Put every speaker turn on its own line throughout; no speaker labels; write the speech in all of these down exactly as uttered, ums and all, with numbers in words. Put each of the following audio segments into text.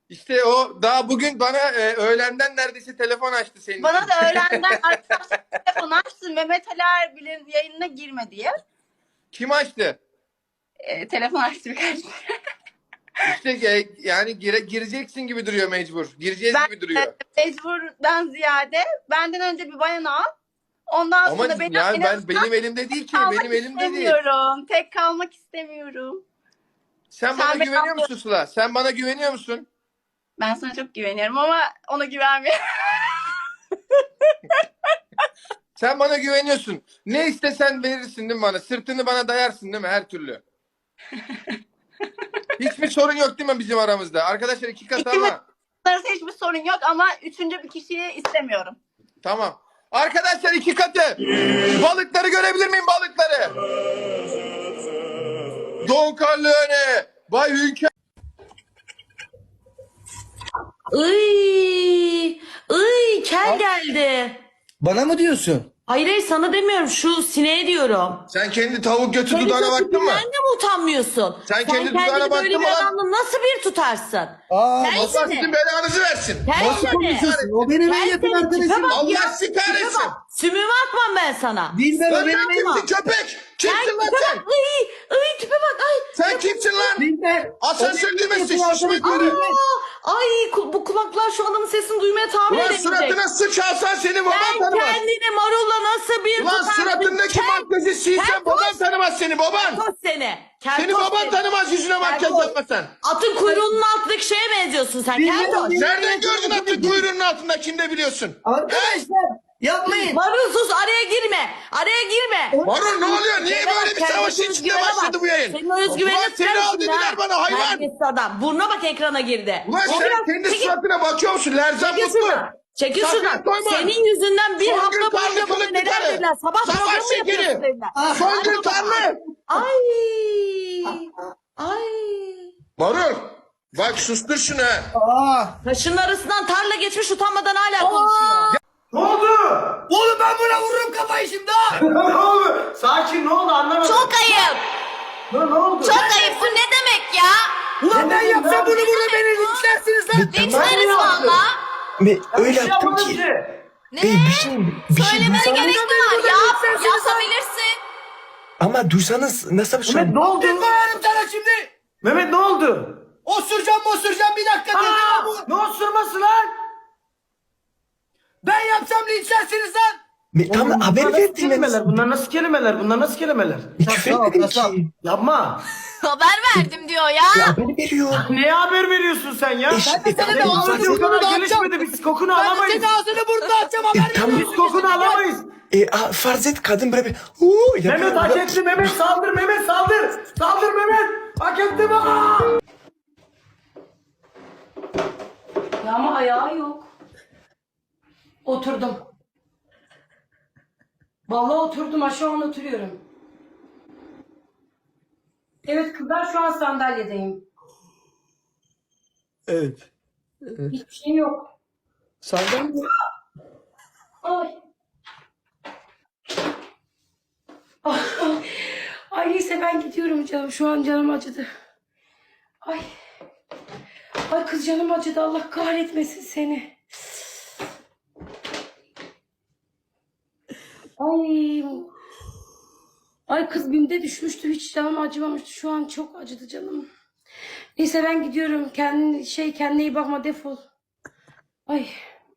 İşte o daha bugün bana e, öğlenden neredeyse telefon açtı senin
Bana
için.
da öğlenden arkadaşlar telefon açtı. Mehmet Ali Erbil'in yayınına girme diye.
Kim açtı?
E, telefon açtı birkaç.
İşte e, yani gire, gireceksin gibi duruyor mecbur. Gireceğiz
Ben
gibi duruyor.
e, mecburdan ziyade benden önce bir bayan al. Ondan
Ama
sonra benim,
yani
en
ben
azından
benim elimde değil ki.
kalmak
Benim elimde değil.
istemiyorum. Tek kalmak istemiyorum.
Sen,
Sen
bana
beni
güveniyor
anlıyorsun.
musun Sıla? Sen bana güveniyor musun?
Ben sana çok güveniyorum ama ona güvenmiyorum.
Sen bana güveniyorsun. Ne istesen verirsin değil mi bana? Sırtını bana dayarsın değil mi her türlü? Hiçbir sorun yok değil mi bizim aramızda? Arkadaşlar iki katı
İkimiz
ama.
arasında hiçbir sorun yok ama üçüncü bir kişiyi istemiyorum.
Tamam. Arkadaşlar iki katı. Balıkları görebilir miyim balıkları? Don Corleone. Bay Hünkar.
Iy, iy, kel geldi.
Bana mı diyorsun?
Hayır hayır sana demiyorum, şu sineğe diyorum.
Sen kendi tavuk götü
Senin
dudağına baktın mı?
tipinden de mi utanmıyorsun?
Sen kendi dudağına
kendini
baktın
böyle
mı
bir
lan?
adamla nasıl bir tutarsın?
Aa,
Kel
Allah
seni.
sizin belanızı versin.
Kel
nasıl
seni.
konuşuyorsun? O benim en
Kel
yakın
seni, tipe
arkadaşım.
bak
Allah
ya,
sizi
tipe
kahretsin.
bak. Sümüğümü atmam ben sana.
Dilber o
Sen
benim
ne
en
kimsin köpek? Kimsin lan
tipe
sen?
bak. Iy, iy, tipe bak. Ay.
Sen kimsin lan?
Dilber.
Asansör düğmesi şişmek
Aa,
üzere.
ay ku- bu kulaklar şu adamın sesini duymaya tahammül
Ulan
edemeyecek.
suratına sıçarsan seni baban
Sen
tanımaz.
kendini marulla nasıl bir
Ulan
tutarsın?
suratındaki
Kel-
makyajı silsen
Keltoş.
baban tanımaz seni baban.
Keltoş seni.
Seni
Keltoş
baban
seni.
tanımaz yüzüne makyaj
Keltoş.
yapmasan.
Atın kuyruğunun altındaki şeye benziyorsun sen. Keltoş.
Nereden gördün atın kuyruğunun altında kimde biliyorsun?
Arkadaşlar yapmayın.
Marul sus, araya girme. Araya girme.
Marul ne oluyor? Niye
Bana
böyle
bak,
bir
kendine
savaşın içinde
özgüvene
başladı
bak.
bu yayın?
Senin o özgüvenini
Ulan seni al dediler bana hayvan.
Terbiyesiz adam. Burnuna bak, ekrana girdi.
Ulan
O
sen
biraz-
kendi
Çekil-
suratına bakıyor musun? Lerzan
Çekil
mutlu.
şuradan. Çekil
Sakın
şuradan.
koyma.
Senin yüzünden bir
Songül
hafta
Tanrı
boyunca bana
kılıklı
neler
karı.
dediler. Sabah
Savaş
programı
şekeri.
yapıyorsun dediler.
Songül Tanrı.
Ay. Ay.
Marul. Bak sustur şunu ha.
Aa.
Taşın arasından tarla geçmiş, utanmadan hala konuşuyor.
Ne oldu?
Oğlum ben buna vururum kafayı şimdi ha.
ne oldu? Sakin, ne oldu anlamadım.
Çok ayıp.
Ne, ne oldu?
Çok ayıp. Bu ne demek ya?
Ulan ben yapsam bunu burada beni linçlersiniz lan.
Linçleriz valla.
Be, öyle
Bir şey
yaptım
yapmadım
ki.
ki.
Ne?
Be, bir şey, bir şey
Söylemene
duysanız,
gerek mi var? Yap. Yapabilirsin.
ama duysanız nasıl bir şey?
Mehmet ne oldu?
Bir koyarım sana şimdi.
Mehmet ne oldu?
Osuracağım osuracağım bir dakika. dedim
Aa,
bu.
ne osurması lan?
Ben yapsam linçlersiniz lan.
Me, tam
Oğlum,
haber
bunlar nasıl
verdim
kelimeler?
ben.
Bunlar nasıl kelimeler? Bunlar nasıl kelimeler?
Küfür
Kasap,
etmedim
kasap.
ki.
Yapma.
Haber verdim diyor ya.
Ya haber veriyor.
Neye haber veriyorsun sen ya?
Eş, e,
sana
tamam,
ne
Senin
oldu?
ağzın o
Bunu da
kadar
atacağım.
gelişmedi. Biz kokunu
Ben de
alamayız.
senin ağzını burnunu açacağım haber
E, tamam.
Biz kokunu alamayız.
E, a, farz et kadın böyle bir uuu yapıyor.
Mehmet hak etti. Mehmet saldır. Mehmet saldır. Saldır Mehmet. Hak etti mi? Aa!
Ya ama ayağı yok. Oturdum. Vallahi oturdum, ha şu an oturuyorum. Evet kızlar, şu an sandalyedeyim.
Evet.
Hiçbir şey yok.
Sandalye.
Ay. Ah, ah. Ay neyse ben gidiyorum canım. Şu an canım acıdı. Ay. Ay kız canım acıdı. Allah kahretmesin seni. Ay. Ay kız bimde düşmüştü. Hiç canım acımamıştı. Şu an çok acıdı canım. Neyse ben gidiyorum. Kendin şey kendine iyi bakma, defol. Ay.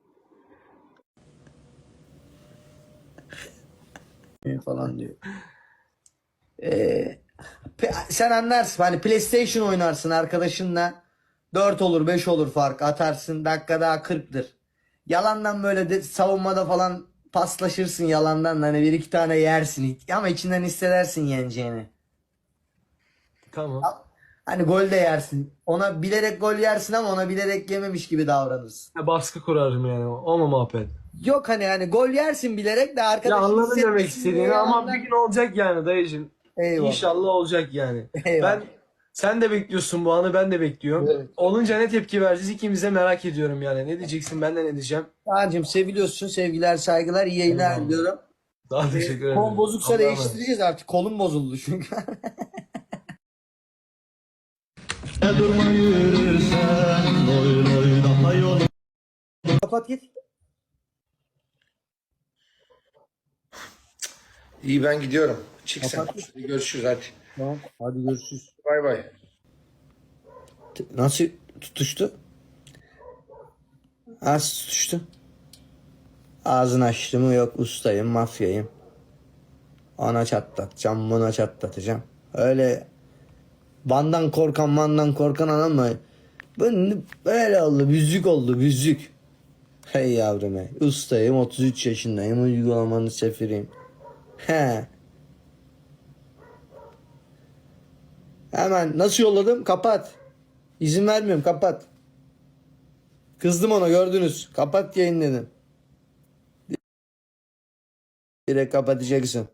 Falan diyor. Ee, pe- sen anlarsın hani PlayStation oynarsın arkadaşınla, dört olur beş olur fark atarsın, dakika daha kırktır. Yalandan böyle de, savunmada falan paslaşırsın yalandan, hani bir iki tane yersin ama içinden hissedersin yeneceğini.
Tamam.
Hani gol de yersin. Ona bilerek gol yersin ama ona bilerek yememiş gibi davranırsın.
Baskı kurarım yani. O mu muhabbet?
Yok hani hani gol yersin bilerek de
Ya
arkadaşın
anladım demek
hissetmesin
istediğini
diye
ama
yalandan-
bir gün olacak yani dayıcım.
Eyvallah.
İnşallah olacak yani.
Eyvallah.
Ben sen de bekliyorsun bu anı, ben de bekliyorum.
Evet.
Olunca ne tepki vereceğiz ikimiz de merak ediyorum yani. Ne diyeceksin, ben de ne diyeceğim.
Kaan'cığım seviliyorsun, sevgiler saygılar, iyi yayınlar
Eyvallah.
diliyorum.
Daha teşekkür ederim.
Kol bozuksa
Allah'a emanet.
değiştireceğiz artık, kolum bozuldu çünkü.
Durma yürürsen, oyna
kapat git.
İyi ben gidiyorum. Çık sen.
Kapat.
Hadi görüşürüz hadi.
Tamam. Hadi görüşürüz.
Bay bay.
Nasıl tutuştu? Az tutuştu. Ağzını açtı mı yok ustayım, mafyayım. Ona çatlatacağım, buna çatlatacağım. Öyle bandan korkan mandan korkan ama bu böyle oldu, büzük oldu, büzük. Hey yavrum hey. Ustayım, otuz üç yaşındayım, uygulamanın sefiriyim. He. Hemen nasıl yolladım? Kapat. İzin vermiyorum, kapat. Kızdım ona, gördünüz. Kapat yayın dedim. Direkt kapatacaksın.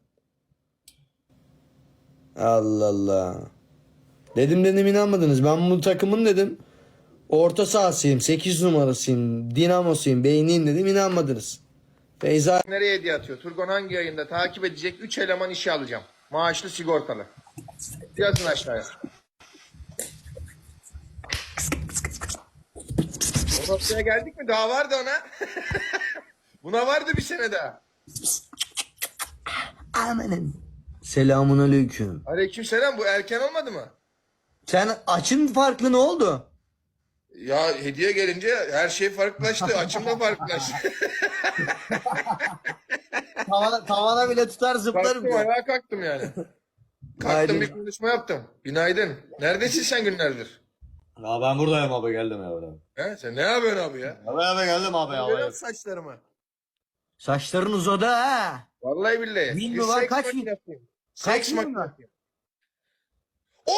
Allah Allah. Dedim dedim inanmadınız. Ben bu takımın dedim. Orta sahasıyım. sekiz numarasıyım. Dinamosuyum. Beyniyim dedim. İnanmadınız. Feyza
Nereye hediye atıyor? Turgon hangi yayında takip edecek üç eleman işe alacağım. Maaşlı sigortalı. Yazın aşağıya. O noktaya geldik mi? Daha vardı ona. Buna vardı bir sene daha.
Amanın. Selamun aleyküm.
Aleykümselam, bu erken olmadı mı?
Sen açın farklı ne oldu?
Ya hediye gelince her şey farklılaştı. Açım da farklılaştı.
Tavana, tavana bile tutar zıplarım.
Kalktım,
diyor.
ayağa kalktım yani. Kalktım,
Günaydın.
bir konuşma yaptım. Günaydın. Neredesin sen günlerdir?
Ya ben buradayım abi, geldim ya abi.
He? Sen ne yapıyorsun abi ya?
Abi abi geldim abi ya.
Görüyor musun saçlarımı?
Saçların uzadı ha.
Vallahi billahi.
Bin
Bir
mi var,
seks
kaç bin?
makinesiyim.
Kaç
Seks
bin var?
makinesiyim. Oo!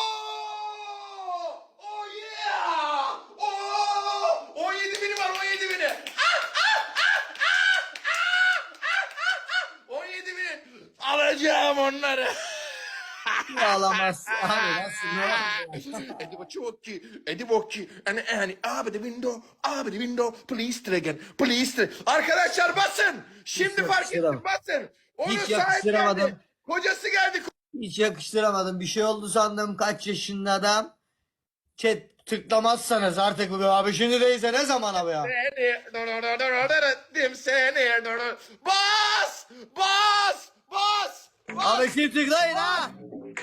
Oh yeah! Oo! on yedi bini var, on yedi bini. Ah, ah, ah, ah, ah, ah, ah. on yedi bini. Alacağım onları.
Ağlamazsın abi nasıl ne var?
Edi bocchi, edi bocchi, and yani abi the window, abi the window, please try again, please try. Arkadaşlar basın. Şimdi
Hiç
fark ettim,
yakıştıramadım.
basın. Onun
Hiç
sahibi
yakıştıramadım.
geldi. Kocası geldi.
Hiç yakıştıramadım. Bir şey oldu sandım, kaç yaşında adam. Chat tıklamazsanız artık bu abi şimdi değilse ne zaman abi ya?
Seni seni bas bas bas bas.
Abi kim tıklayın ha?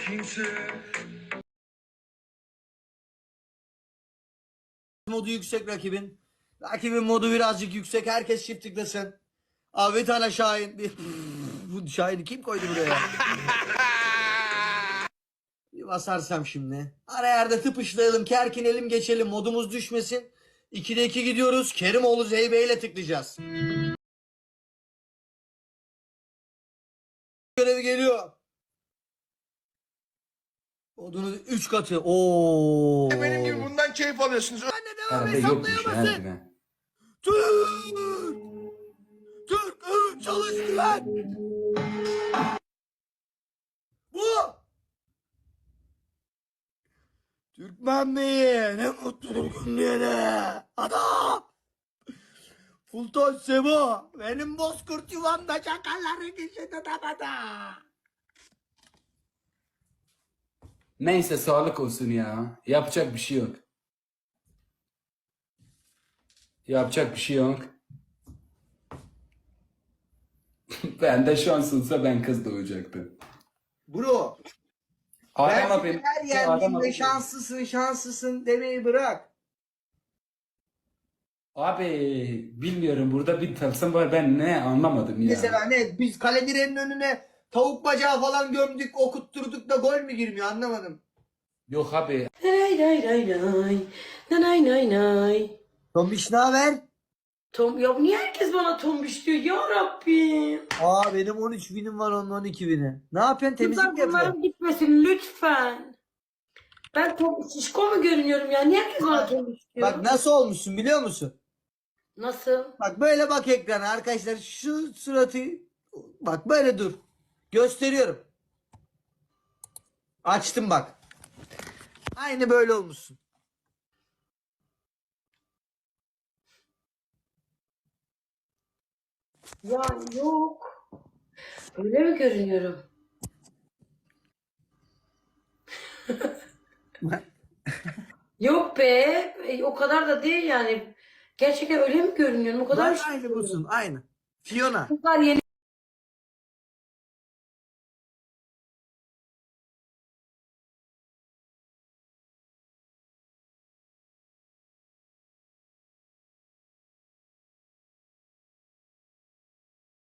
Modu yüksek rakibin. Rakibin modu birazcık yüksek. Herkes çift tıklasın. Abi bir tane Şahin. Bir- Bu Şahin'i kim koydu buraya? Bir basarsam şimdi. Ara yerde tıpışlayalım, kerkinelim, geçelim. Modumuz düşmesin. ikide iki gidiyoruz. Kerimoğlu Zeybe ile tıklayacağız. Görevi geliyor. Odunu üç katı. Oo.
Benim gibi bundan keyif alıyorsunuz.
Ben de devam hesaplayamasın. Türk. Türk ıı, çalıştı lan. Bu. Türkmen Bey'i ne mutlu Türk'üm de. Adam. Fulton Sebo. Benim bozkurt yuvamda çakalların içinde tabada.
Neyse sağlık olsun ya. Yapacak bir şey yok. Yapacak bir şey yok. Ben de şans olsa ben kız doğacaktım.
Bro.
Adam
Ben
abi.
her
Adam
yerinde
abi.
şanslısın şanslısın demeyi bırak.
Abi bilmiyorum, burada bir tılsım var, ben ne anlamadım ya.
Mesela ne biz kale direğinin önüne tavuk bacağı falan gömdük okutturduk da gol mü girmiyor anlamadım.
Yok abi.
Nay nay nay nay. Nay nay nay.
Tombiş ne haber?
Tom, ya niye herkes bana tombiş diyor ya Rabbim?
Aa benim on üç binim var onun on iki bini. Ne yapıyorsun temizlik
Lütfen
mi yapıyorsun?
bunların gitmesin lütfen. Ben tom, şişko mu görünüyorum ya? Niye herkes bana tombiş diyor?
Bak nasıl olmuşsun biliyor musun?
Nasıl?
Bak böyle bak ekrana arkadaşlar şu suratı bak böyle dur. Gösteriyorum. Açtım bak. Aynı böyle olmuşsun.
Ya yok. Öyle mi görünüyorum? Yok be. e, O kadar da değil yani. Gerçekten öyle mi görünüyorum? O kadar
Bak aynı busun aynı. Fiona.
kızlar yeni